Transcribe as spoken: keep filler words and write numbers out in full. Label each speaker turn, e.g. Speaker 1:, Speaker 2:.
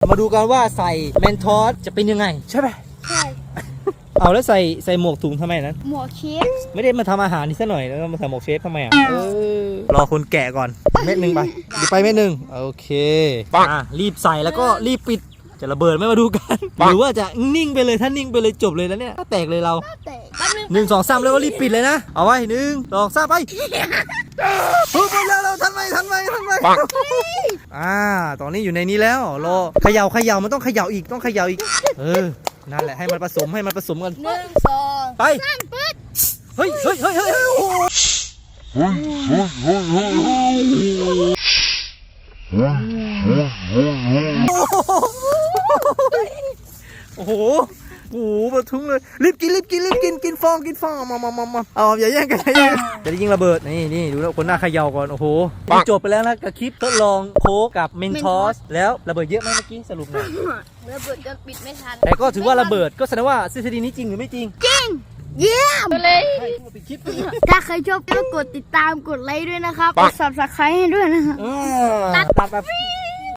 Speaker 1: มาดูกันว่าใส่แมนทอสจะเป็นยังไงใช่ไหม
Speaker 2: ใช่
Speaker 1: เอาแล้วใส่ใส่หมวกถุงทำไมนั้น
Speaker 2: หมวกเชฟ
Speaker 1: ไม่ได้มาทำอาหารนี่ซะหน่อยแล้วมาใส่หมวกเชฟทำไมอ่ะเออรอคนแกะก่อนเม็ดหนึ่งไปดีไปเม็ดหนึ่งโอเคอ่ะรีบใส่แล้วก็รีบปิดจะระเบิดไม่มาดูกันหรือว่าจะนิ่งไปเลยถ้านิ่งไปเลยจบเลยแล้วเนี่ยแตกเลยเราหนึ่งสองสามแล้วก็รีบปิดเลยนะเอาไว้หนึ่งสองสามไปปุ๊บไปแล้วเราทันไหมทันไหมทันไหมอ่าตอนนี้อยู่ในนี้แล้วรอเขย่าเขย่ามันต้องเขย่าอีกต้องเขย่าอีกเออนั่นแหละให้มันผสมให้มันผสมกัน
Speaker 2: หนึ่งสอง
Speaker 1: ไปเฮ้ยเฮ้ยเฮ้ยเฮ้ยโอ้โหโอ้โหโอ้โหมาทุ่งเลยรีบกินรีบกินรีบกินกินฟองกินฟองมามามามาเอาอย่าแย่งกันอย่าแย่งจะได้ยิงระเบิดนี่นี่ดูแล้วคนหน้าเขย่าก่อนโอ้โหจบไปแล้วนะกับคลิปทดลองโค้กกับเมนทอสแล้วระเบิดเยอะไหมเมื่อกี้สรุปหน่อย
Speaker 2: ระเบิดจนปิดไม่ทัน
Speaker 1: แต่ก็ถือว่าระเบิดก็แสดงว่าทฤษฎีนี้จริงหรือไม่จริง
Speaker 2: จริงเยี่ยมเลยถ้าใครชอบก็กดติดตามกดไลค์ด้วยนะครับกด ซับสไครบ์ ให้ด้วยนะครับ
Speaker 1: ตัดตัด